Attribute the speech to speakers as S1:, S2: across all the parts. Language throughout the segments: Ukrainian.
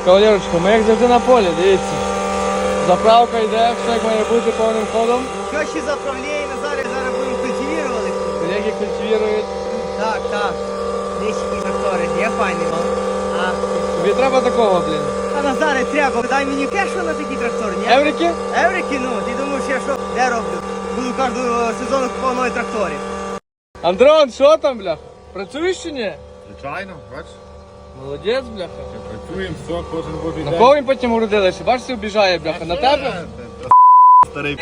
S1: Кавалерочка, ми як завжди на полі, дивіться. Заправка йде, все як має бути повним ходом.
S2: Що ще заправляємо, зараз будемо культивірувати.
S1: Колеги культивірують.
S2: Так. Дещики трактори, є файний.
S1: Тобі треба такого, блін.
S2: А Назаре треба, дай мені кешу на такий трактор, ні?
S1: Еврики?
S2: Еврики, ну, ти думаєш, я що, де роблю? Буду кожного сезону купувати нові трактори.
S1: Андрон, що там, бляха? Працюєш чи ні?
S3: Звичайно, бачиш?
S1: Молодець, бляха.
S3: Працюємо, все, кожен божий
S1: На
S3: день.
S1: кого він потім уродилися? Бачиш, обіжає, бляха. На тебе?
S3: Старий.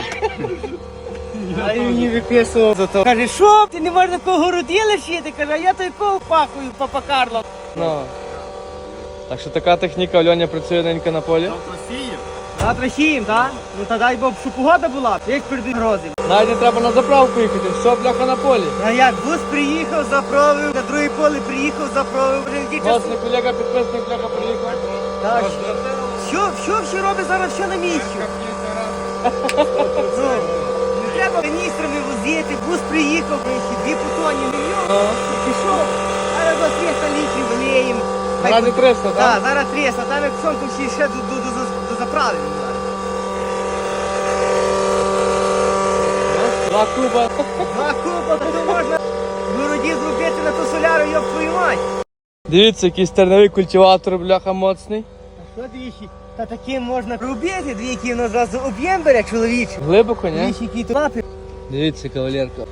S2: А він мені виписував за то. Каже, що, ти не можеш такого городіла шити? Каже, а я той кого пахую, папа Карло.
S1: Ну. Так що така техніка, Льоня працює ненька на полі.
S2: Завтра сієм, так? Ну та дай Бог, щоб погода була, як перед грози.
S1: Навіть не треба на заправку їхати, все, бляха, на полі.
S2: А як бус приїхав, заправив, на друге поле приїхав, заправив. Вже який час.
S1: Власне, колега підписник, бляха, приїхав.
S2: Так, що робить зараз, що на місці? Ну, не треба міністрами возити, бус приїхав, дві путоні, мільйон, пішов. Зараз за 300 літрів виліємо.
S1: Раді 300, так?
S2: Так, зараз 300, там як сонку ще до заправлення.
S1: Два куба.
S2: Два куба, то можна в городі зробити на ту соляру, йоб твою мать.
S1: Дивіться, який стерновий культиватор, бляха, моцний.
S2: А що двічі? Та таким можна робити, двічі воно зразу об'єм бере чоловічий.
S1: Глибоко, ні?
S2: Двічі які то лапи.
S1: Дивіться, кавалерка.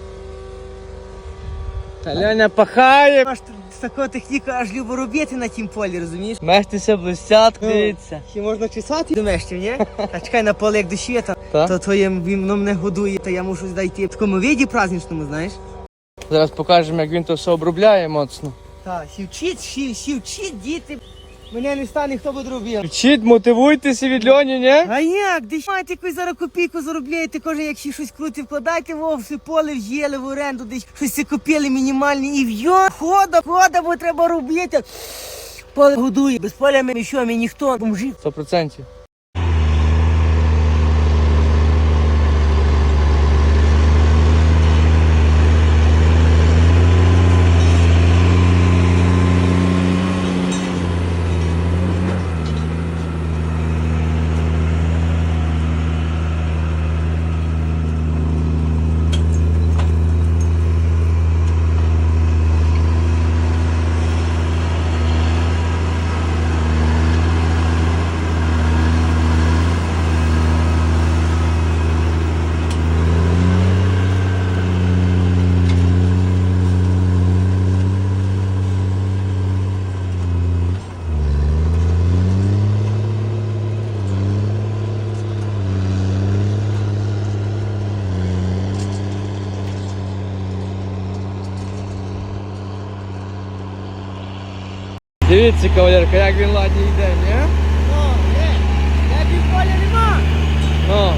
S1: Та Леня пахає.
S2: Аж з такого техніка аж любо робити на тім полі, розумієш?
S1: Мехтися блистять, дивіться.
S2: Ще можна чесати до мещів, ні? А чекай на поле, як дощі,
S1: Та?
S2: то воно мене годує, то я мушу дійти в такому віді праздничному, знаєш?
S1: Зараз покажемо, як він то все обробляє моцно.
S2: Так, сівчіть, діти. Мене не стане, хто буде робити.
S1: Вчіть, мотивуйтеся від Льоні, ні?
S2: А як? Десь маєте якусь зараз копійку заробляєте, кожен як ще щось крути, вкладайте все поле взяли в оренду, десь щось це купили мінімальні і в'йо, хода, бо треба робити. Поле годує, без поля ми що, ми ніхто, бомжі.
S1: 100%. Дивіться, кавалерка, як він ладні йде, ні?
S2: Я півполя нема.
S1: Ну.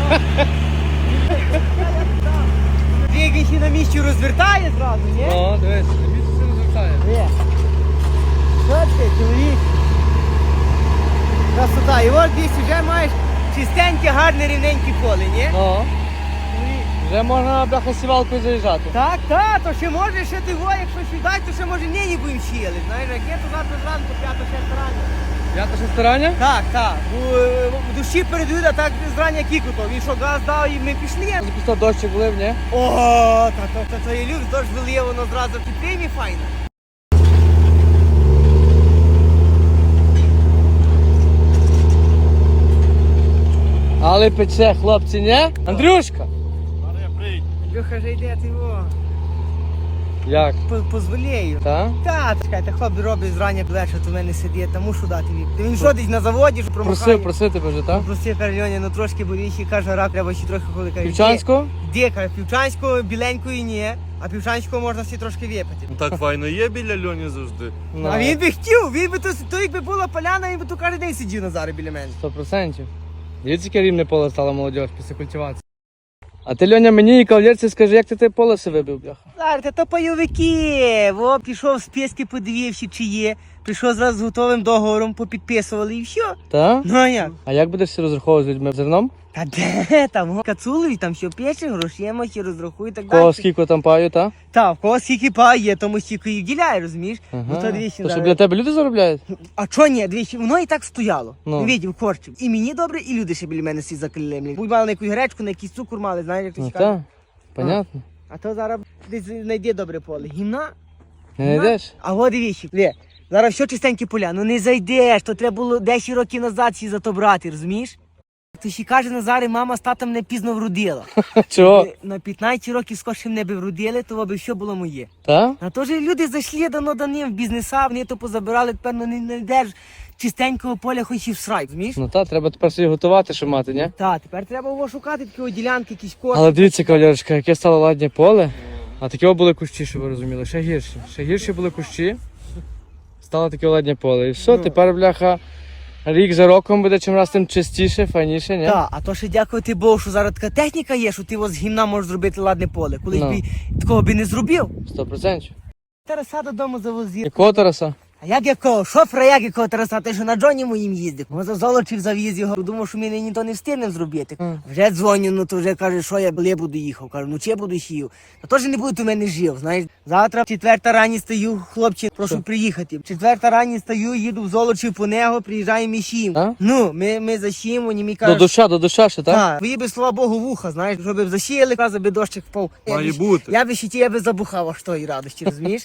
S2: Він ще на місці розвертає зразу, ні?
S1: Ну, дивись, місце все розвертає.
S2: Що ти, чоловік? Красота. І от десь вже маєш чистеньке, гарне, рівненьке поле, ні?
S1: Ну. Вже можна, бляха, сівалкою заїжджати.
S2: Так, то ще може, ще ти во, якщо сідай, то ще може нині будемо сіяли. Знаєш, як є, то завтра зранку, 5-6 рання.
S1: П'ята шестерання?
S2: Так. В душі передають, а так зрання кікото. Він що, газ дав і ми пішли.
S1: Запустив дощик влив, ні?
S2: О, то я люблю, дощ виліє, воно зразу підтримі файно.
S1: Але пече, хлопці, ні? Андрюшка!
S2: Андрюха вже йде, ти во.
S1: Як?
S2: Позволею.
S1: Так?
S2: Та, чекайте, хлоп робить зрання до вечора, то в мене сидить, та мушу дати від. Він що десь на заводі, що промахає.
S1: Просив тебе вже, так?
S2: Просив, каже, Льоня, ну трошки боліще, каже, рак, треба ще трохи ходити. Каже,
S1: Півчанського?
S2: Де, каже, півчанського, біленької ні, а півчанського можна всі трошки випити.
S3: Ну так файно є біля Льоні завжди.
S1: Ну,
S2: А він би хотів, він би то якби була поляна, він би то кожен день сидів Назаре біля мене.
S1: 100%. Дивіться, яке рівне поле стало молодь після культивації. А ти, Льоня, мені і кавалерці скажи, як ти поле все вибив, бляха?
S2: Зараз, то пайовики, во, пішов з піски, подивився, чи є. прийшов зразу з готовим договором, попідписували і все.
S1: Та?
S2: Ну а як?
S1: А як будеш розраховувати з людьми зерном?
S2: Та де там? Кацулові там що пече, грошима ще розрахує і так
S1: Кого
S2: далі.
S1: скільки там паю, та?
S2: Та, в кого скільки пає, тому стільки і вділяє, розумієш? Ну то двічі
S1: То що для тебе люди заробляють?
S2: А чо ні, двічі, воно і так стояло.
S1: Ну.
S2: Ну. Видів, корчив. І мені добре, і люди ще біля мене всі закалемлі. Будь мали на якусь гречку, на якийсь цукор мали, знаєш, як то
S1: Ну
S2: каже.
S1: так, понятно.
S2: А то зараз десь знайде добре поле. Гімна?
S1: Не знайдеш?
S2: А от дивіться, зараз все чистенькі поля, ну не зайдеш, то треба було 10 років назад всі за то брати, розумієш? То ще каже Назари, мама з татом не пізно вродила.
S1: Чого?
S2: На 15 років скорше мене би вродили, то би все було моє.
S1: Та?
S2: А то ж люди зайшли даним в бізнеса, вони то позабирали, тепер ну, не знайдеш чистенького поля, хоч і в срай, розумієш?
S1: Ну так, треба тепер собі готувати, щоб мати, ні?
S2: Так, тепер треба його шукати, такі ділянки, якісь кошти.
S1: Але дивіться, кавалерочка, яке стало ладнє поле, а такі були кущі, щоб ви розуміли, ще гірші. Ще гірші були кущі, стало таке ладнє поле. І все, тепер, бляха, рік за роком буде чим раз тим чистіше, файніше, ні?
S2: Так, а то ще дякувати Богу, що зараз така техніка є, що ти з гімна можеш зробити ладне поле. Колись
S1: Ну.
S2: би такого би не зробив.
S1: 100%.
S2: Тараса додому завозив.
S1: Якого Тараса?
S2: А як якого? Шофера як якого Тараса? Ти що на Джоні моїм їздив? Може Золочів завіз його. Думав, що ми нині то не встигнемо зробити. Вже дзвоню, ну то вже каже, що я буду їхав. Кажу, ну чи я буду сів. Та теж не буде у мене жив, знаєш. Завтра в 4 рані стою, хлопці, прошу приїхати. В 4 рані стою, їду в Золочів по нього, приїжджаємо і сім.
S1: А?
S2: Ну, ми засіємо, вони мені кажуть,
S1: До душа ще, так?
S2: так, твої би, слава Богу, вуха, знаєш, щоб засіяли, каза би дощик впав.
S3: Має бути.
S2: Я би ще ті, би забухав аж тої радості, розумієш?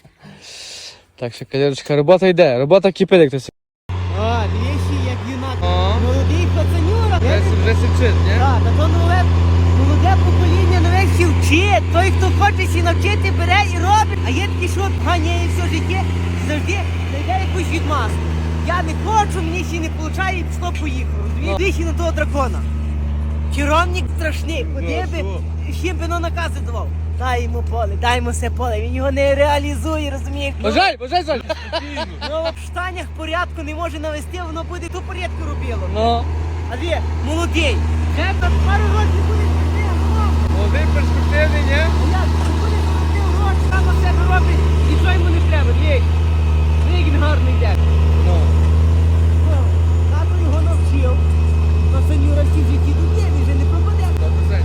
S1: Так що, кавалерочка, робота йде, робота кипить, як хтось.
S2: А, двічі, як юнак.
S1: О.
S2: Молодий пацанюра.
S1: Вже сівчить, ні?
S2: Так, та то молоде покоління нове всі вчить. Той, хто хоче сі навчити, бере і робить. А є такі, що ганяє все життя і завжди знайде якусь відмазку. Я не хочу, мені ще не виходить, і пішло поїхало. Розумієш? Двічі на того дракона. Керівник страшний, куди би, ще б воно накази давав. Дай йому поле, дай йому все поле, він його не реалізує, розумієш?
S1: Бажай, Соль!
S2: Ну, в штанях порядку не може навести, воно буде ту порядку робило.
S1: Ну,
S2: Але молодий. Вже там пару років буде робити.
S1: молодий перспективний, ні?
S2: А як? Буде робити гроші, сам на себе робить, нічого йому не треба. Дивись. Як він гарно йде.
S1: Ну.
S2: Тато його навчив. На сеньора всі в житті тут є, він вже не пропаде.
S1: 100%.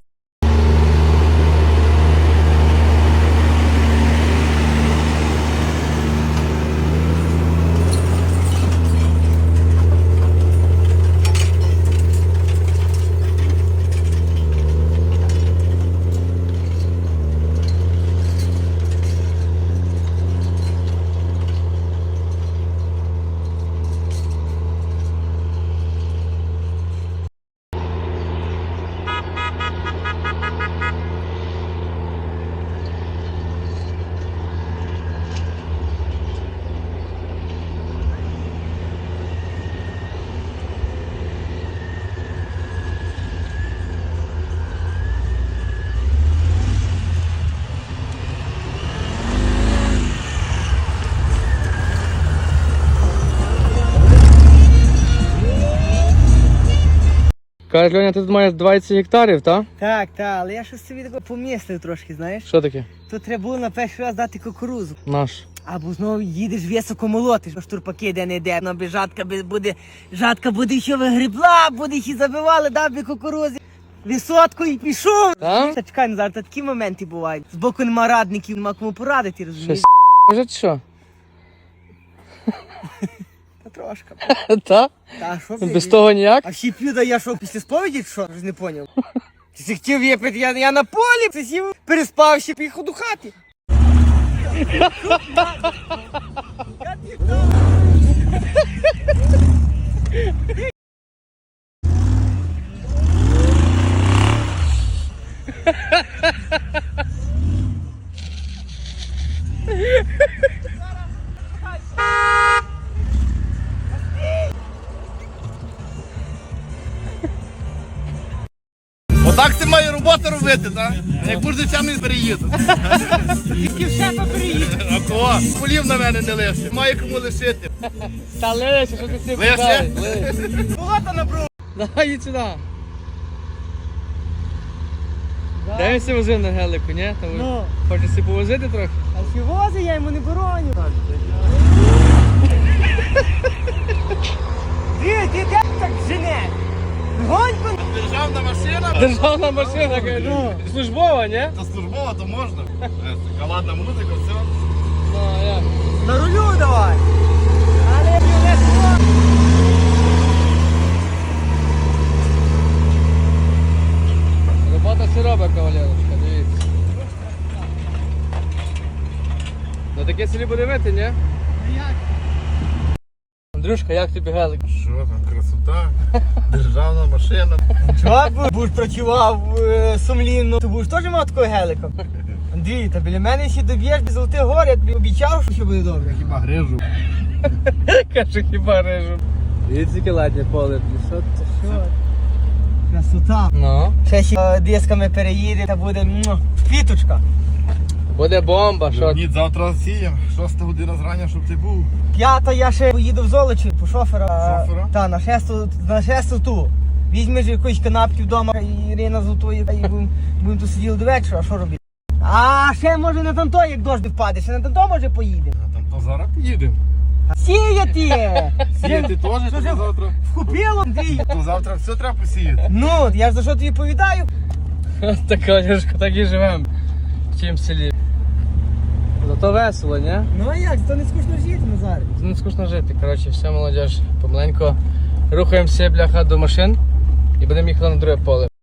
S1: Каже, Льоня, ти тут маєш 20 гектарів, так?
S2: Так, але я щось собі таке помістив трошки, знаєш.
S1: Що таке?
S2: Тут треба було на перший раз дати кукурузу.
S1: Наш.
S2: Або знову їдеш високо молотиш, штурпаки де не йде. Вона би жатка буде ще вигрібла, буде ще забивали, дав би кукурузі. Висотку і пішов.
S1: Так?
S2: Та чекай, Назар, та такі моменти бувають. Збоку нема радників, нема кому порадити, розумієш?
S1: Щось може чи що?
S2: Та трошка.
S1: Так?
S2: Та що
S1: Без того ніяк?
S2: А всі п'ю, да я що, після сповіді, чи що? Я ж не поняв. Ти си хотів випити, я на полі, ти сів, переспав, ще поїхав до хати.
S3: Отак ти має роботу робити, так? Як кожен сам не переїду.
S2: Тільки все попереїде.
S3: А кого? Полів на мене не лише. Має кому лишити.
S1: Та лише, що ти цим
S3: Лише?
S1: питаєш?
S2: Багато набрав.
S1: Давай їдь сюди. Де він себе возив на гелику, ні? Там
S2: Ну.
S1: хочеш себе повозити трохи?
S2: А ще вози, я йому не бороню. Ти так жене? Гоньку?
S3: Державна машина.
S1: Державна машина, кажу. Службова, ні?
S3: Та службова, то можна. Ладна музика, все.
S1: Ну, а як?
S2: На рулю давай. Але не
S1: Робота все робить, кавалерочка, дивіться. На таке селі буде вити, ні? Андрюшка, як тобі гелик?
S3: Що там, красота. Державна машина.
S2: Чого будеш працював сумлінно, ти будеш теж мав такого гелика? Андрій, та біля мене ще доб'єш до Золотих гор, я тобі обіцяв, що буде добре.
S3: Хіба грижу.
S1: Каже, хіба режу. Дивіться, яке ладне поле. Що це? Що?
S2: Красота.
S1: Ну.
S2: Ще дисками переїде, та буде квіточка.
S1: Буде бомба, що?
S3: Ні, завтра сієм. 6 година зрання, щоб ти був.
S2: 5 я ще поїду в Золочі по шофера.
S3: Шофера?
S2: Та, на шесту ту. Візьмеш якусь канапки вдома, і Ірина Золотої, і будемо тут сиділи до вечора, а що робити? А ще може на танто, як дощ впаде, ще на танто може поїдемо.
S3: А там то зараз поїдемо.
S2: Сіяти!
S3: Сіяти теж,
S2: Що
S3: то
S2: ж
S3: завтра.
S2: вкупило, Андрій?
S3: То завтра все треба посіяти.
S2: Ну, я ж за що тобі повідаю?
S1: Так, кавалерочка, так і живемо в цім селі. Зато весело, ні?
S2: Ну а як, то не скучно жити, Назар.
S1: Це не скучно жити. Коротше, все, молодіж. Помаленько рухаємося, бляха, до машин і будемо їхати на друге поле.